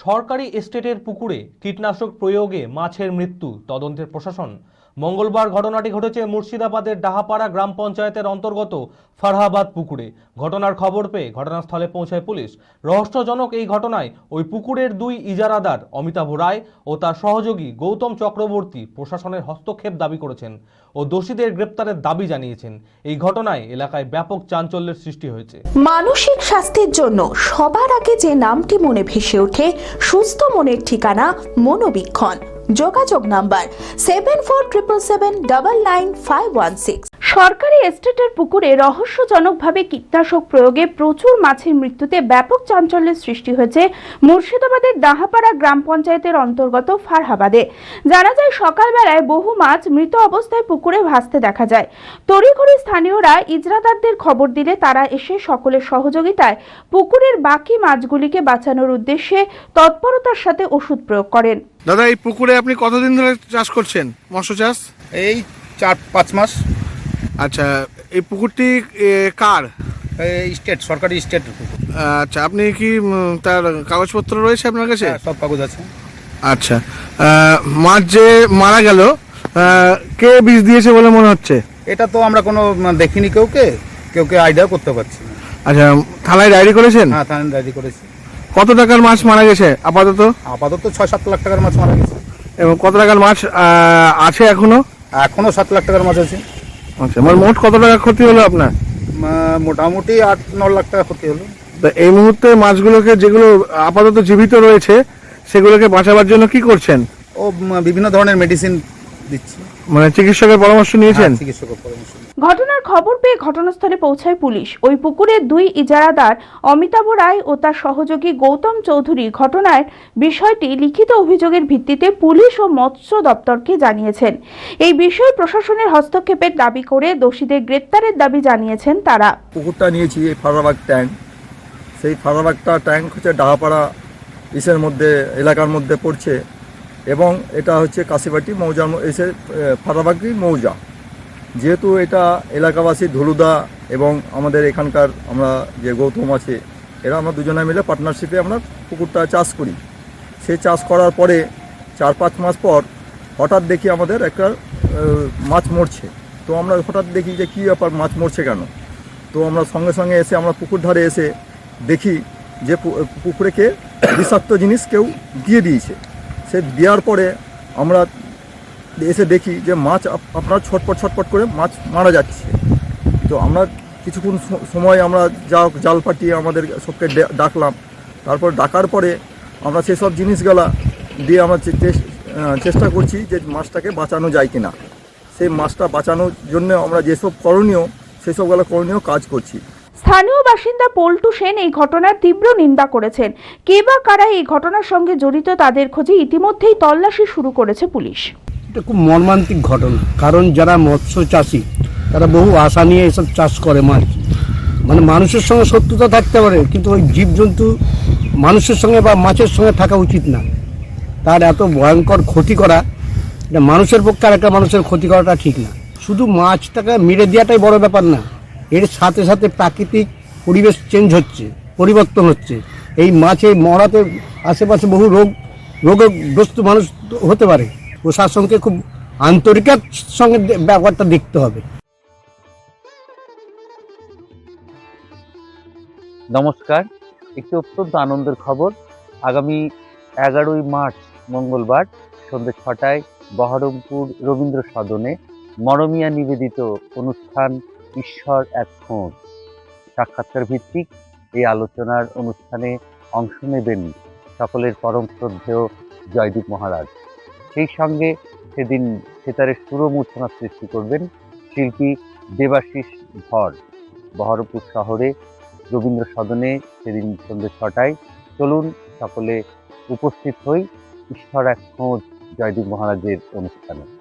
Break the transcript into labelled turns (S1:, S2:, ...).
S1: সরকারি এস্টেটের পুকুরে কীটনাশক প্রয়োগে মাছের মৃত্যু, তদন্তের প্রশাসন। মঙ্গলবার ঘটনাটি ঘটেছে মুর্শিদাবাদের ডাহাপাড়া গ্রাম পঞ্চায়েতের অন্তর্গত ফারহাবাদ পুকুরে। ঘটনার খবর পেয়ে ঘটনাস্থলে পৌঁছায় পুলিশ। রহস্যজনক এই ঘটনায় ওই পুকুরের দুই ইজারাদার অমিতাভ রায় ও তার সহযোগী গৌতম চক্রবর্তী প্রশাসনের হস্তক্ষেপ দাবি করেছেন ও দোষীদের গ্রেপ্তারের দাবি জানিয়েছেন। এই ঘটনায় এলাকায় ব্যাপক চাঞ্চল্যের সৃষ্টি হয়েছে।
S2: মানসিক স্বাস্থ্যের জন্য সবার আগে যে নামটি মনে ভেসে ওঠে, সুস্থ মনের ঠিকানা মনোবীক্ষণ। যোগাযোগ নাম্বার 7477799516। সরকারি এস্টেটের পুকুরে রহস্যজনকভাবে কীটনাশক প্রয়োগে প্রচুর মাছের মৃত্যুতে ব্যাপক চাঞ্চল্যের সৃষ্টি হয়েছে মুর্শিদাবাদের ডাহাপাড়া গ্রাম পঞ্চায়েতের অন্তর্গত ফারহাবাদে। জানা যায়, সকালবেলায় বহু মাছ মৃত অবস্থায় পুকুরে ভাসতে দেখা যায়। তড়িঘড়ি স্থানীয়রা ইজরাদারদের খবর দিলে তারা এসে সকলের সহযোগিতায় পুকুরের বাকি মাছগুলিকে বাঁচানোর উদ্দেশ্যে তৎপরতার সাথে ওষুধ প্রয়োগ করেন।
S3: দাদা, এই পুকুরে আপনি কতদিন ধরে চাষ করছেন, মৎস্য চাষ?
S4: এই 4-5 মাস।
S3: আচ্ছা, এই পুকুরটি কার?
S4: স্টেট, সরকারি স্টেট পুকুর।
S3: আচ্ছা, আপনি কি তার কাগজপত্র রয়েছে আপনার কাছে?
S4: সব কাগজ আছে।
S3: আচ্ছা, মাছ যে মারা গেল, কে বিষ দিয়েছে বলে মনে হচ্ছে?
S4: এটা তো আমরা কোনো দেখিনি, কেউকে আইডিয়া করতে পারছি না।
S3: আচ্ছা, থানায় ডায়েরি করেছেন?
S4: হ্যাঁ, থানায় ডায়েরি করেছি।
S3: কত টাকার মাছ মারা গেছে আপাতত?
S4: 6-7 লাখ টাকার মাছ মারা গেছে।
S3: এবং কত টাকার মাছ আছে এখনো?
S4: 7 লাখ টাকার মাছ আছে।
S3: আচ্ছা, মানে মোট কত টাকা ক্ষতি হলো আপনার?
S4: মোটামুটি 8-9 লাখ টাকা ক্ষতি হলো।
S3: তো এই মুহূর্তে মাছগুলোকে, যেগুলো আপাতত জীবিত রয়েছে, সেগুলোকে বাঁচাবার জন্য কি করছেন?
S4: বিভিন্ন ধরনের মেডিসিন দিচ্ছি।
S3: মানে চিকিৎসকের পরামর্শ নিয়েছেন?
S4: চিকিৎসকের পরামর্শ।
S2: ঘটনার খবর পেয়ে ঘটনাস্থলে পৌঁছায় পুলিশ। ওই পুকুরের দুই ইজারাদার অমিতাভ রায় ও তার সহযোগী গৌতম চৌধুরী ঘটনার বিষয়টি লিখিত অভিযোগের ভিত্তিতে পুলিশ ও মৎস্য দপ্তরকে জানিয়েছেন। এই বিষয়ে প্রশাসনের হস্তক্ষেপের দাবি করে দোষীদের গ্রেপ্তারের দাবি জানিয়েছেন তারা।
S5: পুকুরটা নিয়েছি এই ফারহাবাদ ট্যাঙ্ক। সেই ফারহাবাদটা ট্যাঙ্ক হচ্ছে ডাহাপাড়া ইসের মধ্যে, এলাকার মধ্যে পড়ছে, এবং এটা হচ্ছে কাশিবাটি মৌজার এসে ফারহাবাদী মৌজা। যেহেতু এটা এলাকাবাসী ধুলুদা এবং আমাদের এখানকার আমরা যে গৌতম আছে, এরা আমরা দুজনে মিলে পার্টনারশিপে আমরা পুকুরটা চাষ করি। সেই চাষ করার পরে 4-5 মাস পর হঠাৎ দেখি আমাদের একটা মাছ মরছে। তো আমরা হঠাৎ দেখি যে কী ব্যাপার, মাছ মরছে কেন? তো আমরা সঙ্গে সঙ্গে এসে আমরা পুকুর ধারে এসে দেখি যে পুকুরেকে বিষাক্ত জিনিস কেউ দিয়ে দিয়েছে। সে দেওয়ার পরে আমরা এসে দেখি যে মাছ আপনার ছটপট করে মাছ মারা যাচ্ছে। তো আমরা কিছুক্ষণ সময় আমরা জাল পাঠিয়ে আমাদের সবকে ডাকলাম। তারপর ডাকার পরে আমরা সেসব জিনিসগুলা দিয়ে আমরা চেষ্টা করছি যে মাছটাকে বাঁচানো যায় কিনা। সেই মাছটা বাঁচানোর জন্য আমরা যেসব করণীয়, সেসবগুলো করণীয় কাজ করছি।
S2: স্থানীয় বাসিন্দা পল্টু সেন এই ঘটনার তীব্র নিন্দা করেছেন। কে বা কারা এই ঘটনার সঙ্গে জড়িত তাদের খোঁজে ইতিমধ্যেই তল্লাশি শুরু করেছে পুলিশ।
S6: এটা খুব মর্মান্তিক ঘটনা, কারণ যারা মৎস্য চাষী তারা বহু আশা নিয়ে এসব চাষ করে মাছ। মানে মানুষের সঙ্গে শত্রুতা থাকতে পারে, কিন্তু ওই জীবজন্তু মানুষের সঙ্গে বা মাছের সঙ্গে থাকা উচিত না। তার এত ভয়ঙ্কর ক্ষতি করা, এটা মানুষের পক্ষে আর একটা মানুষের ক্ষতি করাটা ঠিক না। শুধু মাছটাকে মেরে দেওয়াটাই বড় ব্যাপার না, এর সাথে সাথে প্রাকৃতিক পরিবেশ চেঞ্জ হচ্ছে, পরিবর্তন হচ্ছে। এই মাছে মরাতে আশেপাশে বহু রোগগ্রস্ত মানুষ হতে পারে। প্রশাসনকে খুব আন্তরিকতার সঙ্গে ব্যাপারটা দেখতে হবে।
S7: নমস্কার, একটি অত্যন্ত আনন্দের খবর। আগামী 11ই মার্চ মঙ্গলবার সন্ধ্যে 6টায় বহরমপুর রবীন্দ্র সদনে মরমিয়া নিবেদিত অনুষ্ঠান ঈশ্বর এক খোঁজ সাক্ষাৎকার ভিত্তিক এই আলোচনার অনুষ্ঠানে অংশ নেবেন সকলের পরম শ্রদ্ধেয় জয়দীপ মহারাজ। সেই সঙ্গে সেদিন সেতারের সুরমূর্ছনা সৃষ্টি করবেন শিল্পী দেবাশিস ধর। বহরমপুর শহরে রবীন্দ্র সদনে সেদিন সন্ধ্যে 6টায়। চলুন সকলে উপস্থিত হই ঈশ্বর এক খোঁজ জয়দীপ মহারাজের অনুষ্ঠানে।